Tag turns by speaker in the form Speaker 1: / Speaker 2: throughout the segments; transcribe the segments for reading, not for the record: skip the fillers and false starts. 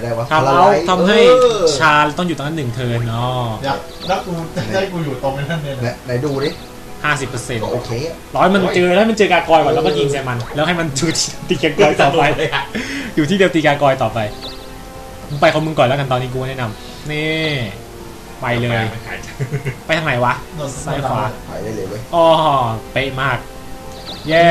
Speaker 1: ได้วะ
Speaker 2: ทำให้ชาต้องอยู่ตรงนั้น1 เทิร์นเนาะ
Speaker 3: แล้วกูได้กูอยู่ตรงนั้นเลย
Speaker 1: ไหนดูดิ
Speaker 2: 50%
Speaker 1: โอเค
Speaker 2: ร้อยมันเจอแล้วมันเจอกากอยก่อนแล้วก็ยิงใส่มันแล้วให้มันชูตีกากอยต่อไปอยู่ที่เดียวตีกากอยต่อไปมึงไปของมึงก่อนแล้วกันตอนนี้กูแนะนำนี่ไปเลยไปทางไหนวะซ้ายขวา
Speaker 1: ไปได้เลยเว้ย
Speaker 2: อ๋อเป๊ะมากเย้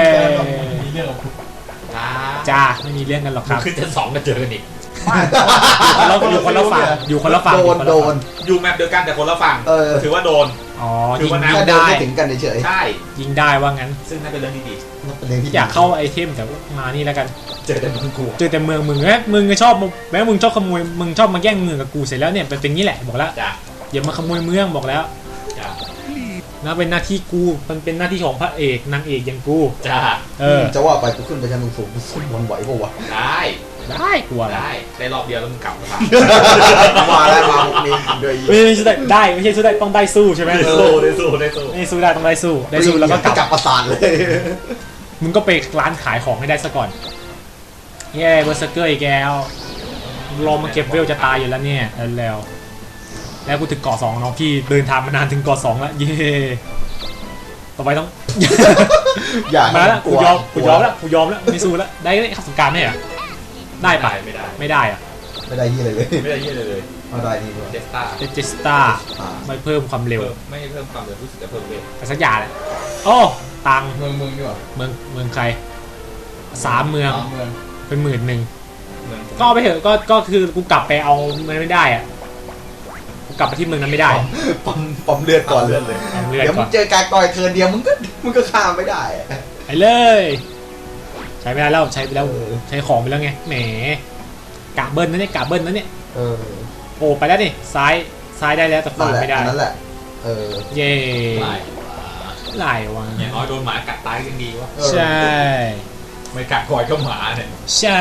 Speaker 2: จ้าไม่มีเรื่องกันหรอกครับ
Speaker 4: ขึ้นชั้น2ก็เจอกันอีก
Speaker 2: เราอยู่คนละฝั่งอยู่คนละฝั่ง
Speaker 1: โดน
Speaker 4: อยู่แมปเดียวกันแต่คนละฝั่งถือว่าโดน
Speaker 2: อ๋อ
Speaker 1: ยิงได้ถึงกันเฉย
Speaker 4: ใช่
Speaker 2: ยิงได้ว่างั้น
Speaker 4: ซึ่งนั่นเป็นเรื่องที่ดี
Speaker 2: อยากเข้าไอเทมแต่มานี่แล้วกัน
Speaker 4: เจอแต่เมืองกู
Speaker 2: เจอแต่เมืองมึงมึงชอบแม้มึงชอบขโมยมึงชอบมาแย่งเมืองกับกูเสร็จแล้วเนี่ยเป็นอย่างนี้แหละบอกแล้วอย่ามาขโมยเมืองบอกแล้วนะเป็นหน้าที่กูมันเป็นหน้าที่ของพระเอกนางเอกอย่างกู
Speaker 1: จะว่าไปกูขึ้นไปชั้นสูงกูสู้มันไหวปะวะ
Speaker 4: ได้
Speaker 2: กลัว
Speaker 4: ได้รอบเดียวแล้วมึงกลับ
Speaker 1: มาแล้วมาพวกนี้ด้วย
Speaker 2: ไม่ใช่ได้ไม่ใช่สู้ได้ต้องได้สู้ใช่ไหม
Speaker 4: ได้สู้
Speaker 2: ไม่สู้ได้ต้องได้สู้แล้วก็
Speaker 1: กลับประสานเลย
Speaker 2: มึงก็ไปร้านขายของให้ได้ซะก่อนเย้เบอร์เซอร์เกอร์อีกแล้วรอมาเก็บเวลจะตายอยู่แล้วเนี่ยแล้วกูถึงเกาะ2เนาะพี่เดินทางมานานถึงเกาะ2แล้วเย้ต่อไปต้องมาแล้วกูยอมแล้วไม่สู้แล้วได้ขับสงการไหมอ่ะได้ไปไม่ได้อ่ะ
Speaker 1: ไม่ได้ยี่เลย
Speaker 4: ไม่ได้ยี่เลย
Speaker 1: ไม่ได้นี่ด้วย
Speaker 2: เจสตาไม่เพิ่มความเร็ว
Speaker 4: ไม่เพิ่มความเร็วรู้สึกจะเพิ่มเร็ว
Speaker 2: แต่สักอย่างเลยโอ้ตัง
Speaker 3: เมืองดีกว่า
Speaker 2: เมืองใคร3 เมืองเป็น11,000ก็ไปเถอะก็คือกูกลับไปเอามันไม่ได้อ่ะกูกลับไปที่เมืองนั้นไม่ได้
Speaker 1: ปั๊มเลือดก่อนเลยเดี๋ยวมึงเจอการก่อยเทิร์นเดียวมึงก็ข้ามไม่ได้
Speaker 2: ไปเลยใช้ไม่ได้แล้วใช้ไปแล้วใช้ของไปแล้วไงแหมกะเบิ้ลนั่นเนี่ยโอ้ไปแล้วนี่ซ้ายได้แล้วแต่ขวาไม่ได้
Speaker 1: นั่นแหละ
Speaker 2: เย่ไหลวะ
Speaker 4: อย่างน้อยโดนหมากัดตายยังดีวะ
Speaker 2: ใช่
Speaker 4: ไม่กัดคอยก็หมาเนี่ย
Speaker 2: ใช่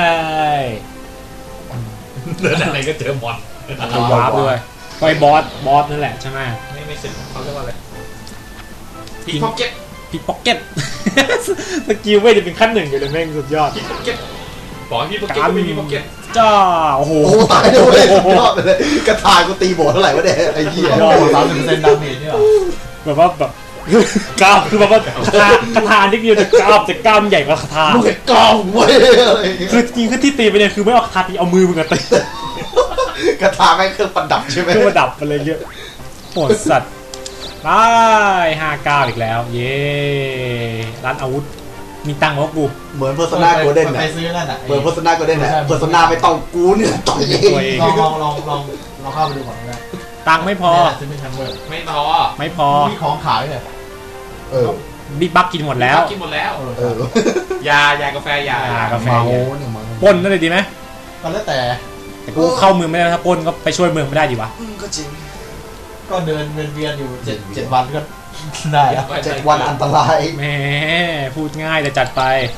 Speaker 4: เดินอะไรก็เจอมอน
Speaker 2: วาร์ปด้วยก็ไอ้บอสนั่นแหละใช่ไหม
Speaker 4: ไม่สิเขาเรียกว่าอะไรพิกพ็อก
Speaker 2: เก็ตสกิลเว้ยจะเป็นขั้น 1อยู่เลยแม่งสุดยอด
Speaker 4: พิกพ็อกเก็ตบอกพิกพ็อกเก็ตไม่มีพ็อกเก็ต
Speaker 2: จ้าโอ้โห
Speaker 1: ตายด้วยยอดเลยกระถายกูตีโบเท่าไหร่วะเนี่ยไอ้เหี้ย
Speaker 3: 30%ดาเมจเนี่ย
Speaker 2: แบบว่าแบบกล้ามคือแบบว่าคาถานิดเดียวจะกล้ามใหญ่กว่าคาถา
Speaker 1: ลูกกล้ามเว้ย
Speaker 2: คือจริงที่ตีไปเนี่ยคือไม่เอาคาถาตีเอามือมึงตี
Speaker 1: กระถาแม่งเครื่องประดับใช่ไหม
Speaker 2: เครื่องประดับอะไรเงี้ยโหดสัตว์ได้59อีกแล้วเย้ร้านอาวุธมีตังค์วะกู
Speaker 1: เหมือนเพอร์โซนาโกลเด้นน่ะเหมือนเพอร์โซนาโกลเด้นน่ะเพอร์โซนาไม่ต้องกูเนี่ยต่อยเอง
Speaker 3: ลองเข้าไปดูก่อนได้
Speaker 2: ตังค์ไม่พอ
Speaker 4: ไม่พอ
Speaker 3: มีของขายเลย
Speaker 2: บิ๊กบัฟกินหมดแล้ว
Speaker 4: ยากาแฟยากาแฟ
Speaker 2: ปล้นนั่นเลยดีไหม
Speaker 3: ก็แล้วแต่
Speaker 2: กูเข้าเมืองไม่ได้ถ้าปล้นก็ไปช่วยเมืองไม่ได้ดีวะ
Speaker 1: ก็จริง
Speaker 3: ก็เดินเวียนอยู่7 วันก็ได้
Speaker 1: 7 วันอันตราย
Speaker 2: แหมพูดง่ายแต่จัดไป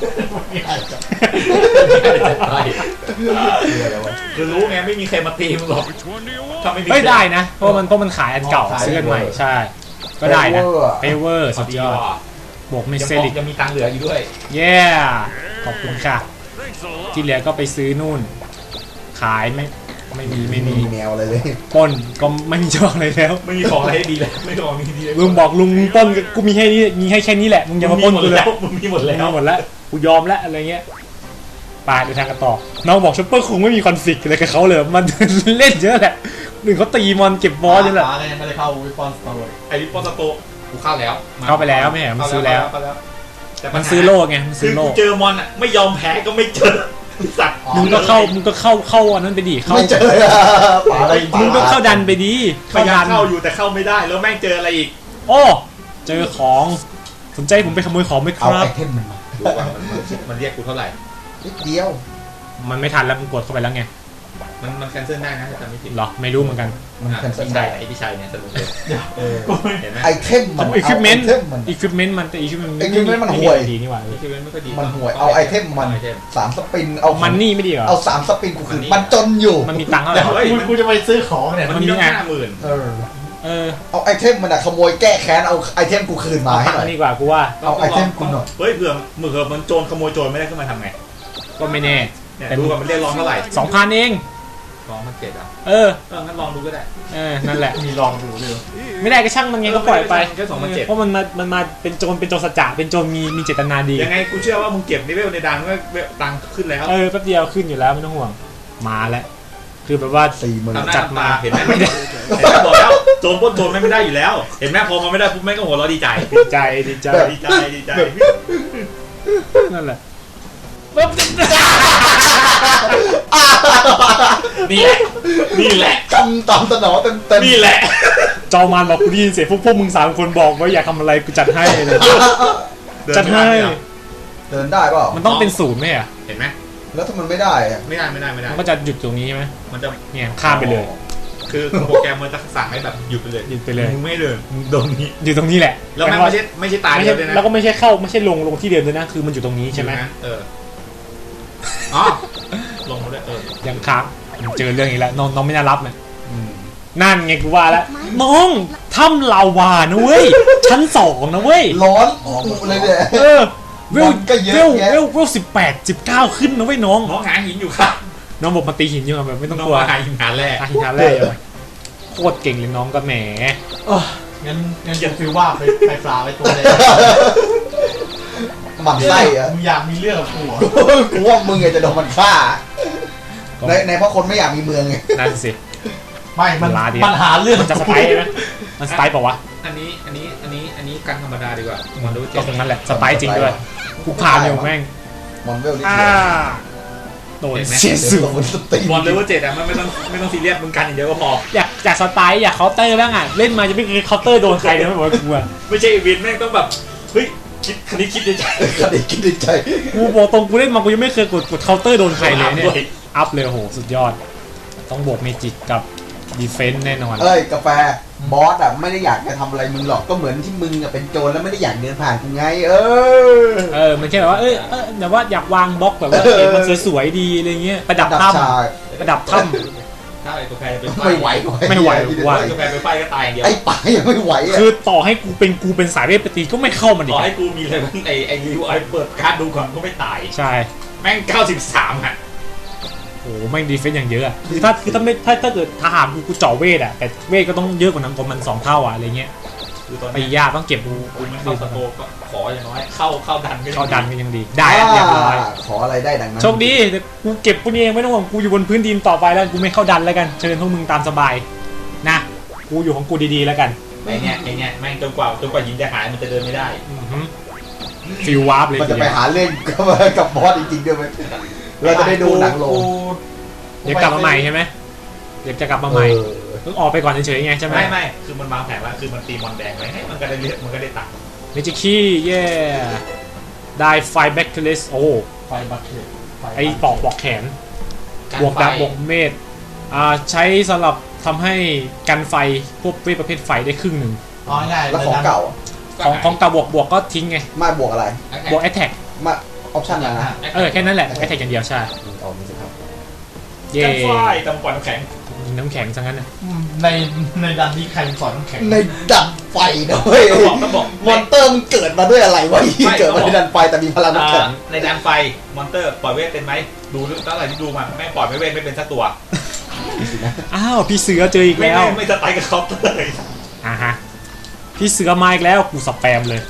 Speaker 4: คือรู้ไงไม่มีใครมาตีมึงหรอก
Speaker 2: ไม่ได้นะเพราะมันขายอันเก่าซื้ออันใหม่ใช่ก็ได้นะเฟเวอร์สุดยอดบวกไม่เซลิก
Speaker 4: ยังมีตังค์เหลืออยู่ด้วย
Speaker 2: เย้ขอบคุณค่ะที่เหลือก็ไปซื้อนู่นขายไม่มี
Speaker 1: แนวอะไรเลย
Speaker 2: ปล้นก็ไม่มีช่องอะไรแล้ว
Speaker 4: ไม่มีของอะไรดีแล้วไม่ของมีดี
Speaker 2: ลุงบอกลุงปล้นกูมีให้นี่มีให้แค่นี้แหละมึงอย่ามาปล้นกูเลย
Speaker 4: มึงมีหมดแล้ว
Speaker 2: กูยอมแล้วอะไรเงี้ยไปเดินทางกันต่อน้องบอกช็อปเปอร์คงไม่มีคอนฟลิกต์อะไรกับเขาเลยมันเล่นเยอะแหละหนึ่งเขาตีมอนเก็บบอสนี่แหละ
Speaker 3: ไม่ได้เข้าวิปปอนสโตร์
Speaker 4: ไอวิปปอนสโตร์กูเข้าแล้ว
Speaker 2: ไปแล้วไม่เห็นมันซื้อแล้วมันซื้อโล่ไงมันซื้อโล่
Speaker 4: เจอมอนอ่ะไม่ยอมแพ้ก็ไม่เจอสัตว์
Speaker 2: มึงก็เข้าอันนั้นไปดิ
Speaker 1: เข้าไม่เจอ
Speaker 2: มึงก็เข้าดันไปดิ
Speaker 4: เข้าอยู่แต่เข้าไม่ได้แล้วแม่งเจออะไรอีก
Speaker 2: โอ้เจอของสนใจผมไปขโมยของไหมครับ
Speaker 1: เอาไอเทมมันมา
Speaker 4: ดูว่ามันเรียกกูเท่าไหร่
Speaker 1: นิดเดียว
Speaker 2: มันไม่ทันแล้วมึงกดเข้าไปแล้วไง
Speaker 4: มันแคนเซิลได้นะแต่ไม่ผิด
Speaker 2: หรอไม่รู้เหมือนกัน
Speaker 4: มันแคนเซิลได้ไอพี่ชัยเนี่ยสนุกเลย
Speaker 1: ไอเทมมัน
Speaker 2: อุปกรณ์มันแต่อุปกรณ์
Speaker 1: มันห่วย
Speaker 2: ดีนี่หว่า
Speaker 1: มันห่วยเอาไอเทมมัน3 สปินเอา
Speaker 2: มันนี่ไม่ดีเหรอ
Speaker 1: เอา3 สปินกูคืนมันจนอยู่
Speaker 2: มันมีตังค์เท่าไหร่
Speaker 3: กูจะไปซื้อของเนี่ย
Speaker 4: มันมี50,000
Speaker 1: เอาไอเทมมันอะขโมยแก้แค้นเอาไอเทมกูคืนมาให้หน่อย
Speaker 2: ดีกว่ากูว่า
Speaker 1: เอาไอเทมกูหน่อย
Speaker 4: เฮ้ยเผื่อมันโจรขโมยโจรไม่ได้ขึ้นมาทำไง
Speaker 2: ก็ไม่แน่
Speaker 4: แต่ดูกับมันเรียกร้องเท่าไหร่
Speaker 2: 2,000เอง
Speaker 4: 2,700อ่ะ
Speaker 2: เออ
Speaker 4: งั้นลองดูก็ได้
Speaker 2: นั่นแหละ
Speaker 3: มีลองดูเลย
Speaker 2: ไม่ได้ก็ช่างมันไงก็ปล่อยไป
Speaker 4: แค่2,700
Speaker 2: เพราะมันมาเป็นโจรสัจจะเป็นโจรมีเจตนาดี
Speaker 4: ยังไงกูเชื่อว่ามึงเก็บเลเวลในดังก็ตังค์ขึ้นแล้ว
Speaker 2: แป๊บเดียวขึ้นอยู่แล้วไม่ต้องห่วงมาแล้วคือแบบว่า
Speaker 1: 40,000
Speaker 4: ทำหน้า
Speaker 2: จัด
Speaker 4: ทำ
Speaker 2: มา
Speaker 4: ตาเห็นไหมไม่ได้เห็นไหมบอกแล้วโจรปล้นโจรไม่ได้อยู่แล้ว เห็นไหมพอมันไม่ได้ปุ๊บแม่งก็หัวเราะดีใจ
Speaker 2: ดีใจ
Speaker 4: ดีใจดีใจ
Speaker 2: นั่นแหละ
Speaker 4: นี่แหละ
Speaker 1: กำตามตะหนอเต็มๆ
Speaker 4: นี่แหละ
Speaker 2: จอมานบอกกูได้ยินเสียงพวกมึง3คนบอกว่าอยากทำอะไรกูจัดให้เลยจัดให้
Speaker 1: เดินได้เปล่า
Speaker 2: มันต้องเป็นศูนย์ไหมอ่ะ
Speaker 4: เห็นไหม
Speaker 1: แล้วถ้ามันไม่ได้อะ
Speaker 4: ไม่ได้
Speaker 2: มันก็จะหยุดตรงนี้ใช่ไหม
Speaker 4: มันจะ
Speaker 2: เนี่ยข้ามไปเลย
Speaker 4: คือโปรแกรมมันจะสั่งให้แบบหยุดไปเลย
Speaker 2: หยุดไปเลย
Speaker 4: มึงไม่เดินมึงโดนนี้
Speaker 2: อยู่ตรงนี้แหละ
Speaker 4: แล้วแม่งไม่ใช่ตาย
Speaker 2: ไม่
Speaker 4: เดี
Speaker 2: ใช่
Speaker 4: ยวเลยนะ
Speaker 2: แล้วก็ไม่ใช่ลงที่เดิมด้วยนะคือมันอยู่ตรงนี้ใช่ไหม
Speaker 4: อ๋อลงมาด้วย
Speaker 2: ยังค้างเจอเรื่องอีกแล้วน้องไม่น่ารับนะ
Speaker 1: อืม
Speaker 2: นั่นไงกูว่าแล้วน้องถ้ำลาวานะเว้ยชั้น2นะเว้ย
Speaker 1: ร้อนอุเลยเนี่ย
Speaker 2: เวล
Speaker 1: มันก็เยอะแยะ
Speaker 2: เวล18-19ขึ้นนะเว้ยน้อง
Speaker 4: น้องหาหินอยู่ค่ะ
Speaker 2: น้องบอกมาตีหินอยู่อะแบบไม่ต้อง
Speaker 4: น้อง
Speaker 2: กลัว
Speaker 4: มาหาหินหาแร่
Speaker 2: หินหาแร่อยู่โคตรเก่งเลยน้องก็แหม
Speaker 3: งั้นอย่าฟิวว่าไปปลาไปตัวเลย
Speaker 1: หมั่นไส้อะ
Speaker 3: มึงอยากมีเรื่องกับกูเหรอ
Speaker 1: กูว่ามึงจะโดนมันฆ่าในเพราะคนไม่อยากมีเมืองไง
Speaker 2: นั่นสิ
Speaker 3: ไม่มัน
Speaker 2: ลาดิ
Speaker 3: มันหาเรื่อง
Speaker 2: มันจะสไปร์ไหมมันสไปร์เปล่าวะ
Speaker 4: อันนี้กันธรรมดาดีกว่ามันดู
Speaker 2: ก็ตรงนั้นแหละสไปร์จริงด้วยกูผ่านอยู่แม่ง
Speaker 1: มอนเวลนี่
Speaker 2: โดนเสีย
Speaker 1: เสื
Speaker 2: สู
Speaker 1: อมันสติ
Speaker 4: บอลเลเวล7อ่ะมันไม่ต้องซีเรียสมึงกันอย่างเดียวก็พอ
Speaker 2: อยากสไตล์อยากเคาน์เตอร์บ้างอ่ะเล่นมาจะไม่เคยเคาน์เตอร์โดนใครเลยไม่บอกว่ากูอ่ะ
Speaker 4: ไม่ใช่วินแม่งต้องแบบเฮ้ยคิดในใจ
Speaker 1: ก็ได้คิดในใจ
Speaker 2: กูบอกตรงกูเล่นมากูยังไม่เคยกดเคาน์เตอร์โดนใครเลยเนี่ยอัพเลยโหสุดยอดต้องบวกเมจิกกับดีเฟนส์แน่นอน
Speaker 1: เอ้ยกาแฟบอสอะไม่ได้อยากจะทำอะไรมึงหรอกก็เหมือนที่มึงอะเป็นโจรแล้วไม่ได้อยากเดินผ่านกูไง
Speaker 2: มันแค่แบบว่าแต่ว่าอยากวางบล็อกแบบว่าเห็นมันสวยๆดีอะไรเงี้ยประดับถ้
Speaker 1: ฉาก
Speaker 2: ำประดับถ้
Speaker 4: ถ้าไอ้ตัวแพรเป็น
Speaker 1: ไม่ไหว
Speaker 2: ไม่ไหวว่ะ
Speaker 4: ตัวแพรไปไฟก็ตายอย่างเดียว
Speaker 1: ไอ้ป่ายังไม่ไหว
Speaker 2: ำ
Speaker 1: อะ
Speaker 2: คือต่อให้กูเป็นสายเวทปฏิก็ไม่เข้ามันอี
Speaker 4: ต่
Speaker 2: ก
Speaker 4: อให้กูมีอะไรบ้างไอ้รีวิวไอ้เปิดการ์ดดูก่อนก็ไม่ตาย
Speaker 2: ใช่
Speaker 4: แม่ง93อ่ะ
Speaker 2: โอ้โหแม่งดีเฟนส์อย่างเยอะอะคือถ้าเกิดทหารกูเจาะเวทอะแต่เวทก็ต้องเยอะกว่านั้นประมาณ2 เท่าอะอะไรเงี้ย
Speaker 4: คือตอน
Speaker 2: ไป
Speaker 4: นี้
Speaker 2: ยากต้องเก็บกู
Speaker 4: กูไม่เข้าสโตก็ขออย่างน้อยเข้าดันก็
Speaker 2: เข้าดันก็ยังดีได้เรียบร้อย
Speaker 1: ขออะไรได้ดังนั้น
Speaker 2: โชคดีแต่กูเก็บกูเองไม่ต้องห่วงกูอยู่บนพื้นดินต่อไปแล้วกูไม่เข้าดันแล้วกันเชิญพวกมึงตามสบายนะกูอยู่ของกูดีๆแล้วกัน
Speaker 4: ไอ้เนี่ยแม่งจนกว่าหินจะหายมันจะเดินไม่ได้
Speaker 2: ฟิลวาร์ปเลย
Speaker 1: มันจะไปหาเล่นกับบอสจริงๆด้วยไหมเราจะได้ดูหนังลง
Speaker 2: เดี๋ยวกลับมาใหม่ใช่ไหมเดี๋ยวจะกลับมาใหม่เพิ่งออกไปก่อนเฉยๆไงใช่ไหม
Speaker 4: ไม่คือมันวางแผนว่าคือมันตีมอนแดงไว้ให้มันก็ได้เลือดมันก็ได้ตังค์
Speaker 2: เมจิคีเย่ได้ไฟแบ็กเทเลสโอ้
Speaker 3: ไฟบัตเตอร์
Speaker 2: ไอปอกแขนบวกดาบบวกเมตรใช้สำหรับทำให้กันไฟพวกเวทประเภทไฟได้ครึ่งหนึ่ง
Speaker 3: เอาง่ายๆ
Speaker 1: แล้วของเก่าอะ
Speaker 2: ของเก่าบวกก็ทิ้งไง
Speaker 1: ไม่บวกอะไร
Speaker 2: บวกแอตแทก
Speaker 1: มาออปชั่นอะไรนะ
Speaker 2: แค่นั้นแหละแอตแทกอย่างเดียวใช่
Speaker 1: เอานี่สิครับ
Speaker 2: เย่
Speaker 4: กันไฟตำปอนน้ำแข็ง
Speaker 2: น้ำแข็งซะงั้นนะ
Speaker 3: ในดันที่ใครสอนน้ำแข็ง
Speaker 1: ในดันไฟนะเว้ย
Speaker 4: ต้องบอก
Speaker 1: มอนเตอร์มันเกิดมาด้วยอะไรวะเกิดมาในดันไฟแต่มีพลังน้ำแข็ง
Speaker 4: ในดันไฟมอนเตอร์ปล่อยเวทเป็นไหมดูตั้งแต่ที่ดูมาแม่งปล่อยไม่เวทไม่เป็นสักตัว
Speaker 2: อ้าวพี่เสือเจออีกแล้ว
Speaker 4: ไม่สไตล์กับเขาเลย
Speaker 2: ฮะพี่เสือมาอีกแล้วกูสแปมเลย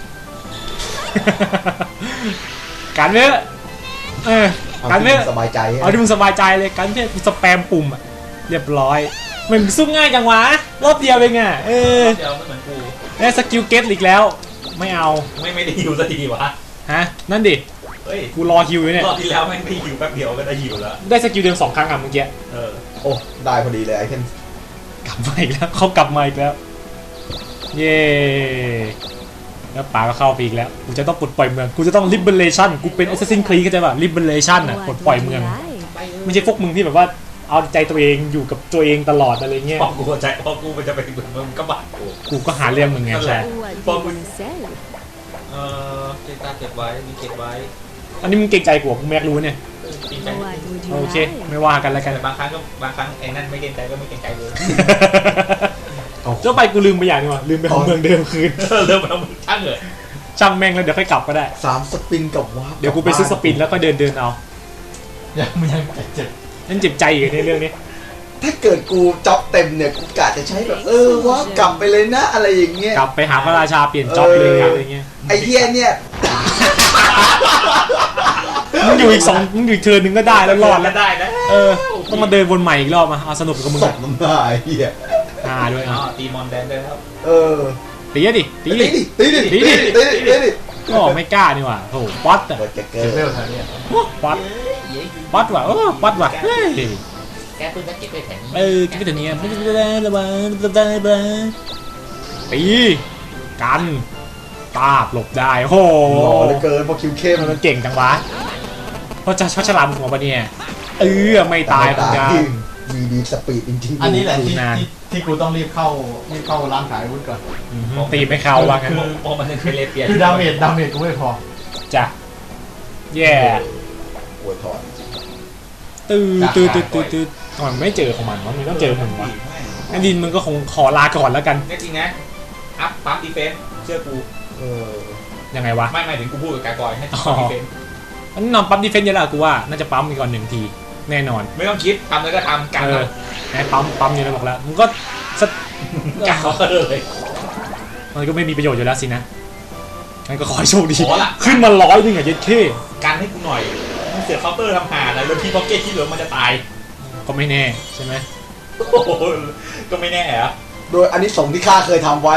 Speaker 2: กันเนื้อกันเนื้อ
Speaker 1: สบายใจ
Speaker 2: เอาที่มึงสบายใจเลยกันเนื้อกูสแปมปุ่มอะเรียบร้อยมันสู้ง่ายจังวะรอบเดียวเองอ่ะ
Speaker 4: เดี๋ยวไม่เหมือนกู
Speaker 2: ได้สกิลเก็ตอีกแล้วไม่เอา
Speaker 4: ไม่ได้ฮิวสักทีวะ
Speaker 2: ฮะนั่นดิ
Speaker 4: เฮ้ย
Speaker 2: กูรอฮิวอยู่เนี่ย
Speaker 4: รอบที่แล้วแม่งได้ฮิวแป๊บเดียวก็ได้ฮิวแล้ว
Speaker 2: ได้สกิลเดิม2 ครั้งอ่ะเมื่อกี้
Speaker 1: โอ้ได้พอดีเลยไอเทม
Speaker 2: กลับมาอีกแล้วเขากลับมาอีกแล้วเย้แล้วป๋าก็เข้าไปอีกแล้วกูจะต้องปลดปล่อยเมืองกูจะต้อง liberation กูเป็น Assassin's Creed เข้าใจป่ะ liberation อ่ะปลดปล่อยเมืองไม่ใช่พวกมึงที่แบบว่าเอาใจตัวเองอยู่กับตัวเองตลอดอะไรเงี้ย
Speaker 4: พอกูมันจะไปเหมือนมึงก็บาดกู
Speaker 2: กูก็หาเรื่องมึงไงใช่
Speaker 4: พอมึงเก็บไว้มีเก็บไว้
Speaker 2: อันนี้มึงเกรงใจกูกูไม่อยากรู้เนี่ย
Speaker 4: จริงใจ
Speaker 2: โอเคไม่ว่ากันแล้วกัน
Speaker 4: แต่บางครั้งไอ้นั่นไม่เกรงใจก็ไม่เกรงใจเลย
Speaker 2: เจ้าไปกูลืมไปอย่างนึงว่ะลืมไปของเมืองเดิมคืน
Speaker 4: เริ่มเอามือช่างเลย
Speaker 2: ช่างแม่งแล้วเดี๋ยวค่อยกลับก็ได้
Speaker 1: 3 สปินกับวาร์ป
Speaker 2: เดี๋ยวกูไปซื้อสปินแล้วก็เดินเอา
Speaker 3: ยังเจ็บ
Speaker 2: นั่นเจ็บใจอีกในเรื่องนี้
Speaker 1: ถ้าเกิดกูจ็อบเต็มเนี่ยกูกะจะใช้แบบว่ากลับไปเลยนะอะไรอย่างเงี้ย
Speaker 2: กลับไปหาพระราชาเปลี่ยนจ็อบเลยอะไรเงี้ย
Speaker 1: ไอ้เหี้ยเนี่ย
Speaker 2: มึงอยู่อีกเทิร์นหนึงก็ได้แล้วรอดแล้ว
Speaker 4: ได้นะ
Speaker 2: ต้องมาเดินวนใหม่อีกรอบมาเอาสนุกกับมึง
Speaker 1: ศพมันได้ไอ้เหี้ย
Speaker 2: ด้วย
Speaker 4: อ๋อตีมอนแดนได้แล้ว
Speaker 2: ตีดิ
Speaker 1: ตีดิ
Speaker 2: ก็ไม่กล้านี่หว่าโอ้ป๊อตอะ
Speaker 1: เปิดแกเกอ
Speaker 3: เก็บ
Speaker 1: ร์
Speaker 3: เวลแถวเนี้ย
Speaker 2: ป๊อตป๊อตว่ะป๊อตว่ะเฮ้ย
Speaker 5: แกปืนก็เก็บไปแข็ง
Speaker 2: คิดไปถึงเนี้ยตีกันตาบหลบได้โอ้โห
Speaker 1: หล่อเหลือเกินพอคิวเข้ม
Speaker 2: มันเก่งจังวะเพราะจะชอบฉลามหัวปะเนี่ยไม่ตายเหมือนกัน
Speaker 1: มีดีสปีดจริงๆ
Speaker 3: อันนี้แหละ
Speaker 2: ดูนาน
Speaker 3: ที่กูต้องรีบเข้าร้านขายอาวุธก่อน
Speaker 2: ตีไม่เข้าว่างั้น
Speaker 4: พอมันเป็นเลเปียน
Speaker 3: คือดาเมจกูไม่พอ
Speaker 2: จ้ะแย่
Speaker 1: อวยพร
Speaker 2: ตื้อทำไมไม่เจอของมันวะมันต้องเจอมึงวะงั้นดินมึงก็คงขอลาก่อนแล้วกัน
Speaker 4: เนี่ยจริงนะอัพปั๊มดีเฟนเชื่อกู
Speaker 2: ยังไงวะ
Speaker 4: ไม่ถึงกูพูดกับกายบอยให้ปั๊มดีเฟน
Speaker 2: อันนอนปั๊มดีเฟนต์เยอะแล้วกูว่าน่าจะปั๊มไปก่อน1 ทีแน่นอน
Speaker 4: ไม่ต้องคิดทำเลยก็ทำกัน
Speaker 2: ไหนปั๊มอยู่แล้วบอกแล้วมึงก็สะ
Speaker 4: กันเขาเลย
Speaker 2: มันก็ไม่มีประโยชน์อยู่แล้วสินะงั้นก็ขอให้โชคดีขึ้นมา100 นึงอ่ะเย็ดเข้
Speaker 4: กันให้กูหน่อยมึงเสือเคาน์เตอร์ทำหาอะไรแล้วพี่พ็อกเก็ตที่เหลือมันจะตาย
Speaker 2: ก็ไม่แน่ใช่ไหม
Speaker 4: โอ้โหก็ไม่แน่อะ
Speaker 1: โดยอันนี้ส่งที่ข้าเคยทำไว้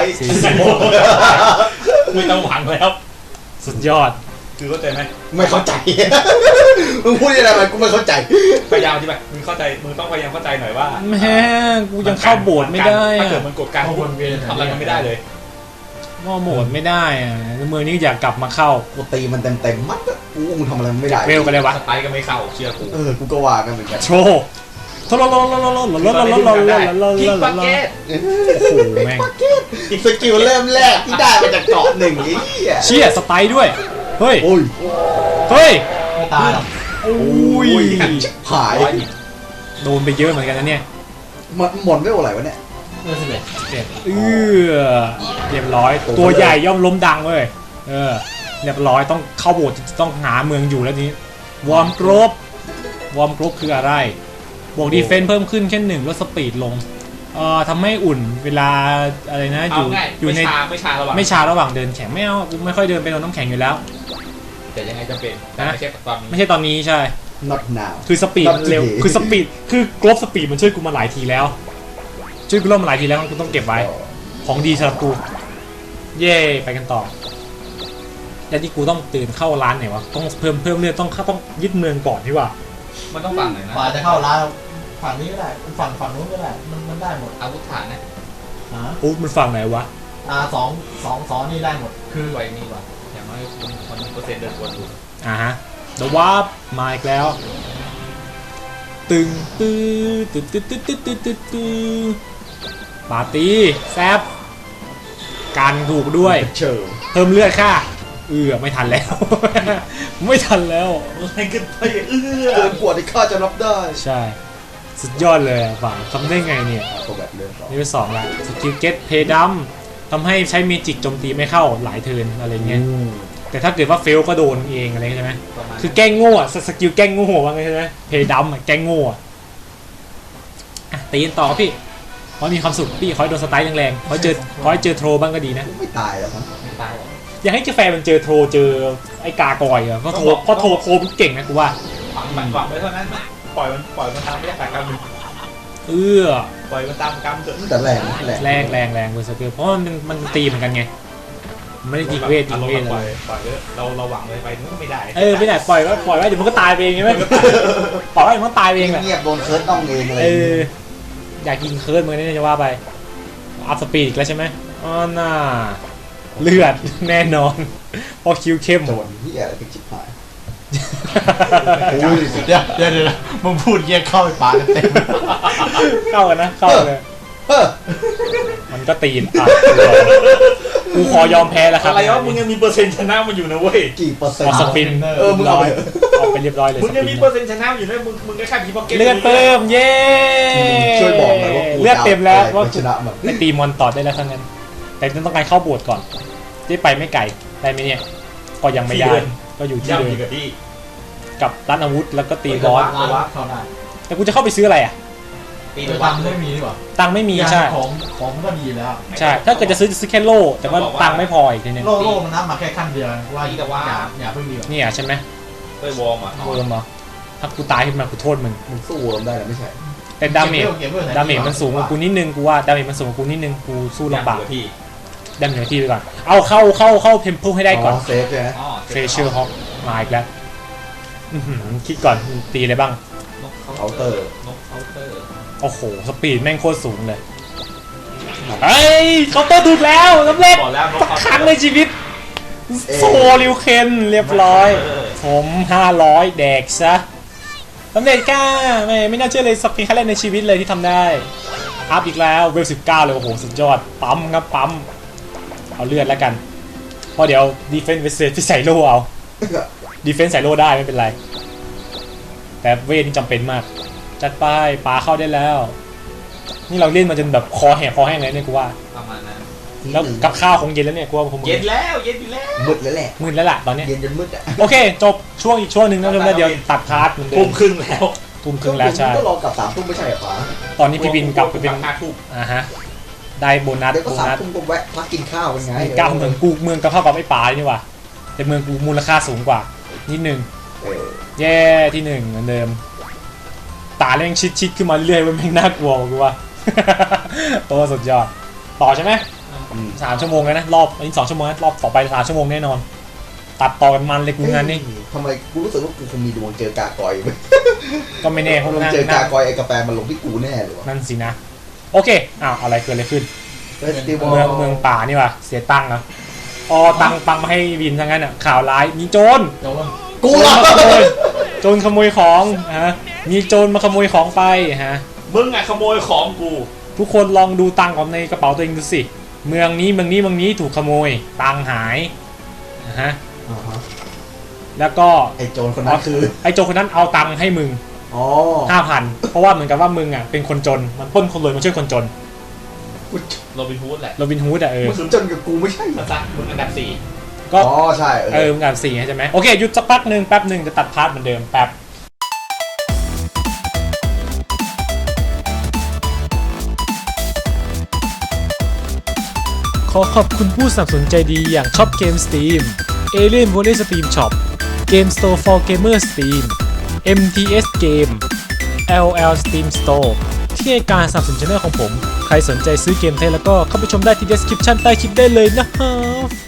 Speaker 4: ไม่ต้องหวังแล้ว
Speaker 2: สุดยอด
Speaker 4: คือเข้าใจไหม
Speaker 1: ไม่เข้าใจ มึงพูดอะไรไปกูไม่เข้าใจ
Speaker 4: พยายามอธิบายมึงเข้าใจมึงต้องพยายามเข้าใจหน่อยว่า
Speaker 2: แม่กูยังเข้าโบสถ์ไม่ได้
Speaker 4: ถ้า
Speaker 2: อะ
Speaker 4: เกิดมันกดการทำอะไรมันไม่ได้เลย
Speaker 2: ว่าโหมดไม่ได้อะเมืองนี้อยากกลับมาเข้า
Speaker 1: กูตีมันเต็มๆมัดอะกูคงทำอะไรมันไม่ได้
Speaker 2: เวลกันเลยวะ
Speaker 4: สไตล์ก็ไม่เข้าเชื่อกู
Speaker 1: กูก็ว่ากันเหมือนกัน
Speaker 2: โชว์ทลลลลลล
Speaker 4: กิ๊กบักเก็ต
Speaker 2: โอ้โหแม่ง
Speaker 1: สกิลเริ่มแรกที่ได้มาจากเกาะหนึ่งไอ้เหี้ย
Speaker 2: เชี่ยสไตล์ด้วยเฮ้ย
Speaker 1: โอ้ย
Speaker 2: เฮ้ย
Speaker 3: ไม่ตายหรอก
Speaker 2: อุ้ย
Speaker 1: ชิบหาย
Speaker 2: โดนไปเยอะเหมือนกันนะเนี่ย
Speaker 1: หมดไม่อะไรวะเนี่ย
Speaker 2: เรียบร้อยตัวใหญ่ย่อมล้มดังเว้ยเรียบร้อยต้องเข้าโบสถ์ต้องหาเมืองอยู่แล้วนี้วอร์มกรุ๊ปคืออะไรบวกดีเฟนส์เพิ่มขึ้นแค่1ลดสปีดลงทำให้อุ่นเวลาอะไรนะอยู่ใน
Speaker 4: ไม่ชาระหว่าง
Speaker 2: ไม่ช้าระหว่างเดินแข็งไม่เอากูไม่ค่อยเดินไปโดนน้ำแข็งอยู่แล้ว
Speaker 4: แต่ยังไงจำเป็นไม่ใช่ตอนนี้
Speaker 2: ไม่ใช่ตอนนี้ใช่
Speaker 1: not now
Speaker 2: คือสปีดเร็ว
Speaker 1: today
Speaker 2: คือสปีดคือกรอบสปีดมันช่วยกูมาหลายทีแล้วช่วยกูเริ่มมาหลายทีแล้วกูต้องเก็บไว้ของดีสำหรับกูเย่ไปกันต่อแล้วที่กูต้องตื่นเข้าร้านไหนวะต้องเพิ่มเลือดต้องยึดเมืองก่อนที่ว่า
Speaker 4: มันต้องฝั่งไหนนะ
Speaker 3: ฝ่ายจะเข้าร้านฝั่งนี้ก็ได้ฝั่งนู้นก็ได้มันได้หมด
Speaker 4: อาวุธฐานนะ
Speaker 2: ปุ๊บมันฝั่งไหนวะ
Speaker 3: สองนี่ได้หมดคือ
Speaker 4: ไว้นี่ว่ะอย่างน้อยมันมีเปอร์เซ็นต์เดินวนอยู่
Speaker 2: ฮะเดอะวาร์ปมาอีกแล้วตึงปาร์ตี้แซบการถูกด้วย
Speaker 1: เชิญ
Speaker 2: เพิ่มเลือดค่ะไม่ทันแล้ว ไม่ทันแล้ว
Speaker 4: อะไรกันไป
Speaker 1: เกินกว่าที่ข้าจะรับได้
Speaker 2: ใช่สุดยอดเลยฝั่งทำได้ไงเนี่ย
Speaker 1: ตัวแบบเรื่องต่อ
Speaker 2: นี่เป็น2ละสกิลเก็ตเพย์ดัมทำให้ใช้เมจิกโจมตีไม่เข้าหลายเทิร์นอะไรเงี้ยแต่ถ้าเกิดว่าเฟลก็โดนเองอะไรใช่ไหมคือแกล้งโง่อะสกิลแกล้งโง่ว่าไงใช่ไหมเพย์ดัมแกล้งโง่ตีนต่อพี่ขอมีความสุขพี่ขอให้โดนสไตล์แรงๆขอให้เจอโทรบ้างก็ดีนะ
Speaker 1: ไม่ตายแล้วมั้ง
Speaker 4: ไม่ตายหรอก
Speaker 2: อยากให้กาแฟมันเจอโทรเจอไอ้กากอยอะเพราะโทรมันเก่งนะกูว่า
Speaker 4: ฝังไว้เท่านั้นปล่อยมันตามไม่ได้กรรม
Speaker 2: ปล่อย
Speaker 4: มันตามกรรมเถอะ
Speaker 1: แต่แรงนะแรง
Speaker 2: แรงเบอร์สเกอร์เพราะมันตีเหมือนกันไงมันไม่ได้ยิงเวทยิงเวท
Speaker 4: ป
Speaker 2: อะไร
Speaker 4: ล่อยเราหวังเลยไปมันก็ไม่ได้
Speaker 2: ไม่ได้ปล่อยไว้เดี๋ยวมันก็ตายไปเองใช่ไหมปล่อยไว้เดี๋ยวมันตายไปเองแหละ
Speaker 1: เงียบโดนเคิร์ดต้องเองเลย
Speaker 2: อยากยิงเคิร์ดเหมือนกันนี่จะว่าไปอัพสปีดอีกแล้วใช่ไหมอ๋อน่าเลือดแน่นอนเพราะคิวเข้ม
Speaker 1: โจรที่อะไรเป็นชิบหาย
Speaker 3: เดี๋ยวมึงพูดเยี่ยเข้าไปปาเต็ม
Speaker 2: เข้ากันนะเข้าเลยมันก็ตีนกูขอยอมแพ้แล้วครับ
Speaker 4: อะไรวะมึงยังมีเปอร์เซ็นต์ชนะมันอยู่นะเว้ย
Speaker 1: กี่เปอร์เซ็น
Speaker 2: ออ
Speaker 1: ต์
Speaker 2: สปิน
Speaker 1: มึงเอาไป
Speaker 2: ออกไปเรียบร้อยเลย
Speaker 4: มึงยังมีเปอร์เซ็นต์ชนะอยู่นะมึงก็แค่พีพ็อกเก็ต
Speaker 2: เลือดเพิ่มเย้
Speaker 1: ช่วยบอกหน่อยว่ากู
Speaker 2: เลือดเต็มแล้วว่า
Speaker 1: ชนะมัน
Speaker 2: ไปตีมอนต่อได้แล้วทั้งนั้นแต่ต้องการเข้าโบสถ์ก่อนจะไปไม่ไกลได้ไหมเนี่ยก็ยังไม่ได้ก็อยู่ที่
Speaker 4: ย่ำ
Speaker 2: เดิ
Speaker 4: อยู่
Speaker 2: ม
Speaker 4: กับที่
Speaker 2: กับร้านอาวุธแล้วก็ตีบอส
Speaker 3: ร้านเข้าได้
Speaker 2: แต่กูจะเข้าไปซื้ออะไรอ่ะ
Speaker 5: ปี
Speaker 3: แต่
Speaker 5: ละ
Speaker 3: ตั
Speaker 5: วั
Speaker 3: ง
Speaker 5: น
Speaker 3: ค์
Speaker 5: เล
Speaker 3: ไม่
Speaker 5: ย
Speaker 3: มีนี่หว่า
Speaker 2: ตังค์ไม่มีใช่
Speaker 3: ของก็ดีแล้ว
Speaker 2: ใช่ถ้าเกิดจะซื้อแค่โล่แต่ว่าตังค์ไม่พออีกทีนึง
Speaker 3: โล่มันนับมาแค่ขั้นเดียวว่าอย่าเพิ่งมี
Speaker 2: เนี่ยใช่ไหม
Speaker 4: ไปวอร์มอ่ะ
Speaker 2: โกมเหรอถ้ากูตายขึ้นมากูโทษมึง
Speaker 1: มึงสู้ลมได้หรือไม่ใช่
Speaker 2: แต่ดาเมจมันสูงกว่ากูนิดนึงกูว่าดาเมจมันสูงกว่ากูนิดนึงกูสู้ลำบาก
Speaker 4: พี่
Speaker 2: ดาเมจที่ไปก่อนเอาเข้าเพมเพลให้ได้ก่อน
Speaker 1: เซฟใช่ไหม
Speaker 4: อ๋อ
Speaker 2: เฟเชอร์ฮอกมาอีกแล้วอื้อหือคิดก่อนตีอะไรบ้าง
Speaker 4: นก
Speaker 1: เคาน์เตอร์
Speaker 4: นกเคาน์เตอร์
Speaker 2: โอ้โหสปีดแม่งโคตรสูงเลยเฮ้ยเคาน์เตอร์ถูกแล้วสำเร็จ
Speaker 4: บอกแล้วนก
Speaker 2: สัก
Speaker 4: เคาน์
Speaker 2: ค
Speaker 4: เตอ
Speaker 2: รั้ง
Speaker 4: ร์
Speaker 2: ในชีวิตโซลิวเคนเรียบร้อย ผม500แดกซะสำเร็จก้าไม่น่าเชื่อเลยสปีดครั้งแรกในชีวิตเลยที่ทำได้อัพอีกแล้วเวล19เลยโอ้โหสุดยอดปั๊มครับปั๊มเอาเลือดแล้วกันเพราะเดี๋ยวดีเฟนส์เวสเซที่ใส่โล่เอาดีเฟนส์ใส่โล่ได้ไม่เป็นไรแต่เวทนี่จำเป็นมากจัดไปปลาเข้าได้แล้วนี่เราเล่นมาจนแบบคอแหกคอแห้งเลยเนี่ยกูว่า
Speaker 4: ประมาณนั้น
Speaker 2: แล้วกับข้าวคงเย็นแล้วเนี่ยกูว่าผม
Speaker 4: เย็นแล้วเย็นอยู่แล้ว
Speaker 1: มืดแล้วแหละ
Speaker 2: มืดแล้วล่ะตอนเนี้ย
Speaker 1: เย็นจนมืดอ่ะ
Speaker 2: โอเคจบช่วงอีกช่วงหนึ่งนะแล้วเดี๋ยวตัดพาร์ทเหมือนเดิ
Speaker 4: ทุ่
Speaker 2: ม
Speaker 4: มครึ่งแล้ว
Speaker 2: ทุ่มครึ่งแล้วใช่
Speaker 1: ก็รอกลับ3 ทุ่มไม่ใช่เหรอป๋า
Speaker 2: ตอนนี้พี่บินกลับไปเป็น
Speaker 4: 5 ทุ่ม
Speaker 2: ฮะได้โบนัส
Speaker 1: เดี๋ยวก็
Speaker 2: โบ
Speaker 1: 3
Speaker 2: นัส
Speaker 1: ทุ่มก็แวะพักกินข้าวเป็นไง
Speaker 2: ก้าวเมืองกูเมืองกับเท่ากับไอ้ป่านี่ว่ะแต่เมืองกูมูลค่าสูงกว่านิดนึง
Speaker 1: เออ
Speaker 2: แย่ที่หนึ่งเหมือนเดิมตาเร่งชิดขึ้นมาเรื่อยมันแม่งน่ากลัวกูว่า ตัวสุดยอดต่อใช่ไหม
Speaker 1: อืม
Speaker 2: 3 ชั่วโมงเลยนะรอบอันนี้2 ชั่วโมงนะรอบต่อไป3 ชั่วโมงแน่นอน ตัดต่อกันมันเลยกูงานนี่
Speaker 1: ทำไมกูรู้สึกว่ากูคงมีดวงเจอกากอยไหม
Speaker 2: ก็ไม่แน่เพราะ
Speaker 1: ลง
Speaker 2: นั่ง
Speaker 1: เจอกากอยไอ้กาแฟมันลงที่กูแน่เลยวะ
Speaker 2: นั่นสินะโอเคอ้าวอะไรเกิดอะไรขึ้น
Speaker 1: เฟสติวัล
Speaker 2: เมืองป่านี่ว่ะเสียตังค์เหรออ๋อตังค์ปังมาให้บินทั้งนั้นอ่ะข่าวร้ายมีโจร
Speaker 3: โจร
Speaker 1: กู
Speaker 2: โจร
Speaker 1: ละ
Speaker 2: มาขโมยโจรขโมยของฮะมีโจรมาขโมยของไปฮะ
Speaker 4: มึงอ่ะขโมยของกู
Speaker 2: ทุกคนลองดูตังค์ของในกระเป๋าตัวเองดูสิเมืองนี้ถูกขโมยตังค์หายนะฮะ
Speaker 1: อ่าฮะ
Speaker 2: แล้วก็
Speaker 1: ไอ้โจรคนนั้นคือ
Speaker 2: ไอ้โจรคนนั้นเอาตังค์ให้มึง
Speaker 1: อ๋อ
Speaker 2: 5,000เพราะว่าเหมือนกับว่ามึงอ่ะเป็นคนจนมันปล้นคนรวยมาช่วยคนจน
Speaker 4: โรบินฮูดแหละ
Speaker 2: โรบินฮูดอ่ะ
Speaker 1: มึงจนกับกูไม่ใช่เหรอ
Speaker 4: ซะมึงอันดับ
Speaker 2: ก็
Speaker 1: อ๋อใช่
Speaker 2: มึงอ่าน4ใช่ไหมโอเคหยุดสักแป๊บหนึ่งจะตัดพาร์ทเหมือนเดิมแป๊บขอขอบคุณผู้สนับสนุนใจดีอย่างช็อปเกม Steam Alien Volley Steam Shop Game Store for Gamer Steam MTS Game LL Steam Store ที่ให้การสนับสนุนช่องของผมใครสนใจซื้อเกมไทยแล้วก็เข้าไปชมได้ที่ description ใต้คลิปได้เลยนะครับ